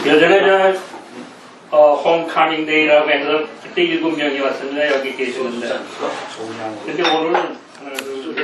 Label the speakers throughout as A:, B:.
A: 예전에 홈카밍 데이라고 해서 그때 7명이 왔었는데 여기 계시는데 근데 오늘은 하나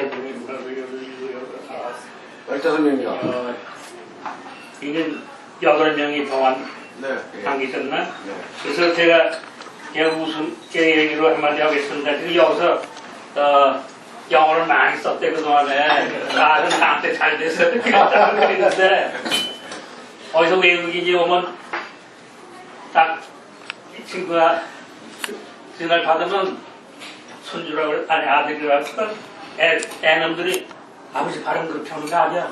A: 둘
B: 15명이요.
A: 이제 8명이 더한 당기셨나? 그래서 제가 그냥 웃음 얘기로 한마디 하겠습니다. 지금 여기서 영어를 많이 썼대 그동안에 나는 나한테 잘 돼서 그랬는데 어디서 외국인이 오면 딱 이 친구가 전화를 받으면 손주라고 아니 아들이라고 애놈들이 아버지 발음 그렇게 하는 거 아니야?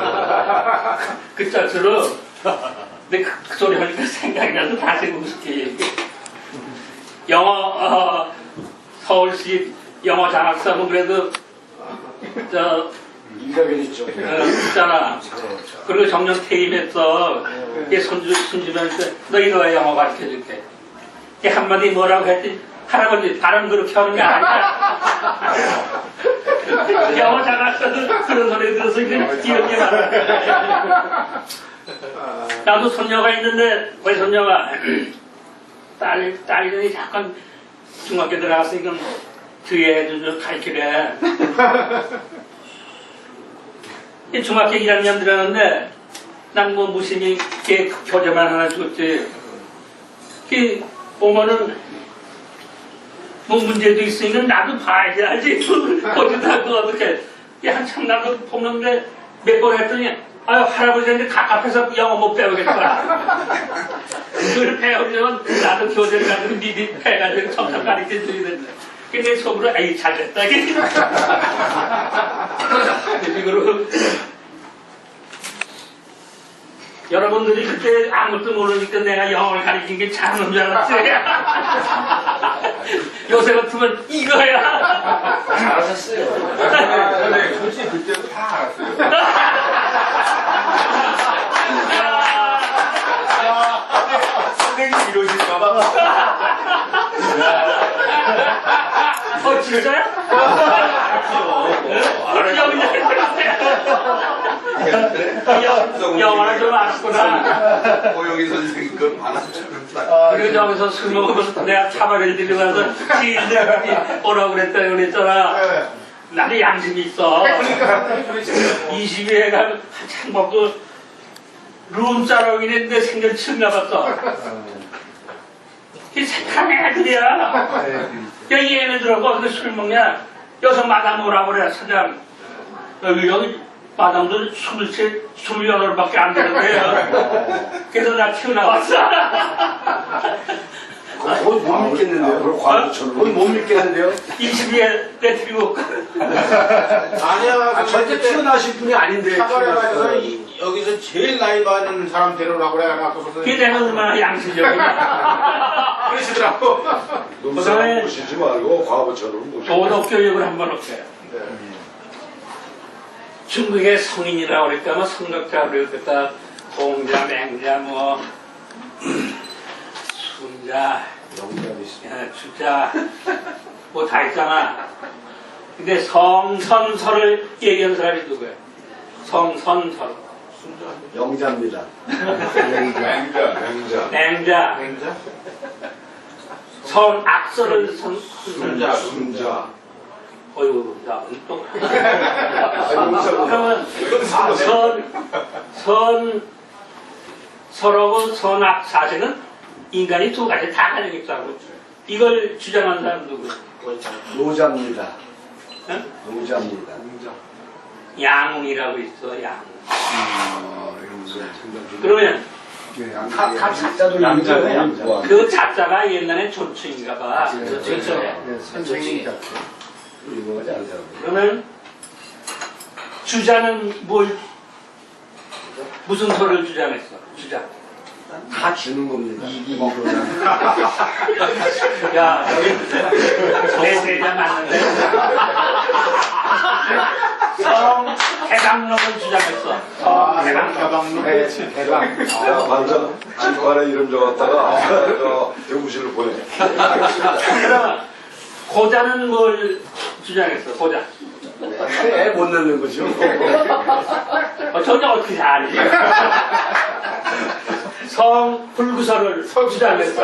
A: 그 자체로 근데 그 소리 하니까 생각이 나서 다시 웃을게. 영어 서울시 영어 장학사면 그래도
B: 인가견 있죠.
A: 있잖아. 그리고 정년 퇴임했어. 손주한테 너 이거 왜 영어 가르쳐줄게. 한마디 뭐라고 했더니 할아버지 발음 그렇게 하는 게 아니야. 영어 장학사도 그런 소리 들어서 그냥 기억이 많아. 나도 손녀가 있는데 왜 손녀가 딸이 잠깐 중학교 들어갔으니까 뒤에 좀 가르치래. 중학교 1학년 들어갔는데 난 뭐 무심히 교재만 하나 줬지. 보면은 뭐 문제도 있으니까 나도 봐야지. 거기다가 어떻게 한참 나도 보는데 몇 번 했더니 아유 할아버지한테 갑갑해서 영어 못 배우겠다. 그걸 배우려면 나도 교재를 가지고 미리 해가지고 점점 가르쳐줘야 된다. 근데 속으로 에이 잘됐다. 이거로 여러분들이 그때 아무것도 모르니까 내가 영어를 가르친 게 잘하는 줄 알았지. 요새 같으면 이거야.
C: 잘하셨어요. 네, 솔직히 그때도 다 알았어요. 선생님 이러실까봐.
A: 진짜야? 영어를 좀 아시구나.
C: 고영희 선생님 그 반환처럼 딱.
A: 그리고 저기서 술 먹으면 내가 차바를 들고 가서 지인들 오라고 그랬잖아. 나도 양심이 있어. 22회가 한참 먹고 룸짜라고 했는데 생전 처음 가봤어. 이 착한 애들이야. 여기 얘네들하고 어떻게 술 먹냐? 여기서 마담 오라고 그래, 사장. 여기 마담도 28밖에 안 되는데요. 그래서 나 튀어나왔어.
B: 거의 못 믿겠는데요. 거의 못 믿겠는데요.
A: 22회 때 들고.
D: 아니야,
B: 절대 튀어나오실 분이 아닌데.
D: 사발에서 여기서 제일 나이 많은 사람 데려오라고 그래.
A: 그게 내가 얼마나 양심적이야.
D: 그러시더라고.
E: 농사를 모시지 말고 과부처럼 모시고.
A: 도덕교육을 한번 할게요. 중국의 성인이라고 그럴까, 뭐 성덕자 그럴까, 공자, 맹자, 뭐 순자, 주자, 뭐 다 있잖아. 근데 성선설을 얘기한 사람이 누구야? 성선설.
B: 영자입니다.
E: 맹자.
A: 맹자. 선악설을
D: 순자.
A: 어이구, 나 또. 그러면 설하고 선악 사실은 인간이 두 가지 다 가지고 있다고. 이걸 주장한 사람 누구?
B: 노자입니다.
A: 응?
B: 노자입니다.
A: 양웅이라고 있어, 양웅. 그러면
B: 각 자자도 양자예요.
A: 그 자자가 옛날에 존칭인가 봐.
B: 그렇죠. 선생님.
A: 그러면 주자는 무슨 소리를 주장했어? 주자.
B: 다 주는 겁니다.
A: 야, 내 세자 맞는데? 해방론을 주장했어.
D: 해방론.
B: 대박.
E: 반장 집안에 이름 적었다가 대구실을 보내.
A: 그러면 고자는 뭘 주장했어? 고자.
B: 애 못 넣는 거죠.
A: 전혀 어떻게 알지? 성 불구설을 주장했어.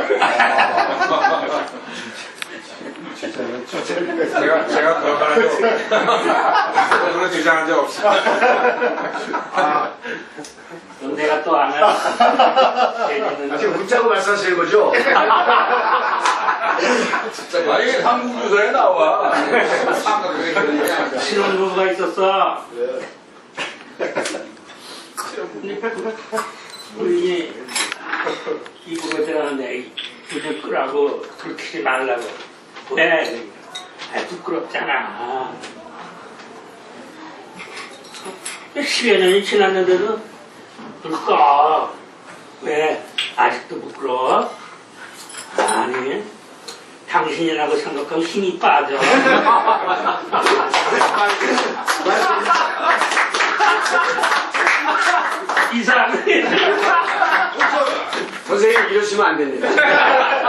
C: 제가 그런 말을 그런 주장한 적 없어.
A: 그럼 내가 또 안 해. 걔는
B: 지금 웃자고 말씀하시는 거죠?
C: 아, 이게 한국유서에 나와.
A: 신혼부부가 있었어. 우리 이부가 들어가는데 불을 끄라고 불 켜지 말라고. 왜? 부끄럽잖아. 10여 년이 지났는데도 불 꺼. 왜? 아직도 부끄러워? 아니, 당신이라고 생각하면 힘이 빠져. 이상해.
B: 선생님 이러시면 안 됩니다.